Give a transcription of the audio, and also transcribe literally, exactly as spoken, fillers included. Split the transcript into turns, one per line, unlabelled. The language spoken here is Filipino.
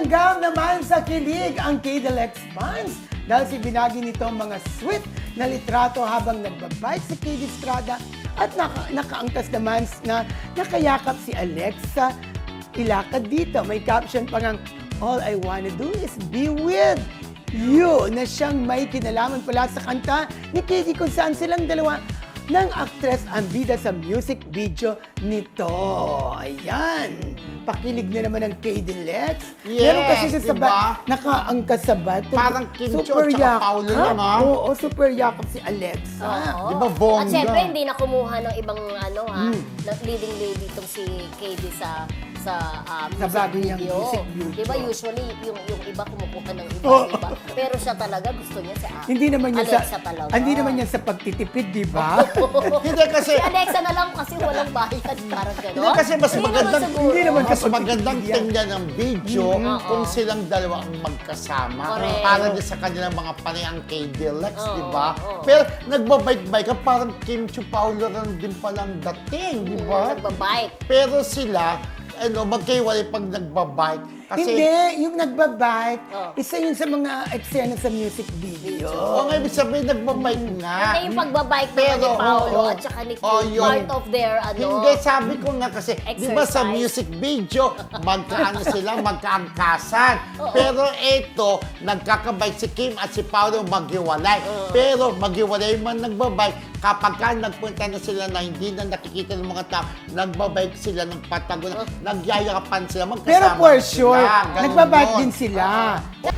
Langgam naman sa kilig ang K D L X fans dahil si binagi nito ang mga sweet na litrato habang nagbabike si K D Estrada at naka, nakaangkas naman na nakayakap si Alexa ilakad dito. May caption pa ngang, "All I wanna do is be with you," na siyang may kinalaman pala sa kanta ni K D kung saan silang dalawa ng aktres ang bida sa music video nito. Ayan. Pakilig na naman ng K D Lex.
Yes,
Meron kasi siya sa
diba?
ba- nakaangkas sa bato.
Parang Kim Cho
Super
tsaka
yakap.
Paolo lang, ah.
Oo, super yakap si Alexa.
Oo.
Di ba, bongga?
At syempre, hindi na kumuha ng ibang ano ha,
Hmm.
ng leading lady itong si K D sa sa uh,
Sa
music
bago niyang
video.
music video.
Di ba usually yung yung iba kumukuha ng iba,
Oo.
di ba? Pero siya talaga gusto niya sa
Hindi naman yan sa
Alexa talaga.
Hindi naman yan sa pagtitipid, di ba?
Hindi kasi,
Si Alexa na lang kasi walang bayad, parang gano'n.
hindi kasi mas
Hindi
magandang,
naman siguro.
Hindi naman
mas
kapag
magandang
yan.
tingnan ng video
Mm,
kung
oo.
silang dalawa ang magkasama.
Correct.
Para din sa kanilang mga panayang K D Lex,
Oo,
di ba?
oo.
Pero nagbabike-bike ka, parang Kim Cho Paolo rin din palang dating, di ba?
Nagbabike.
Pero sila, ano, magkaiwalay pag nagbabike. Kasi,
Hindi, yung nagbabike,
Oh.
isa yun sa mga eksena sa music video.
o nga ibig sabihin, nagbabike nga.
Hindi yung pagbabike naman
Pero,
ni Paolo
oo.
at saka ni Kim,
Oh, yun.
part of their ano.
Hindi, sabi ko nga kasi, di ba sa
Exercise.
music video, magkaano sila, magkaangkasan. Pero eto, nagkakabike si Kim at si Paolo maghiwalay. Pero maghiwalay man nagbabike, kapag ka nagpunta na sila na hindi na nakikita ng mga tao, nagbabike sila ng patago, nagyayakapan sila, magkasama
Pero for
sila.
sure,
Ganun
nagbabike
yun.
din sila.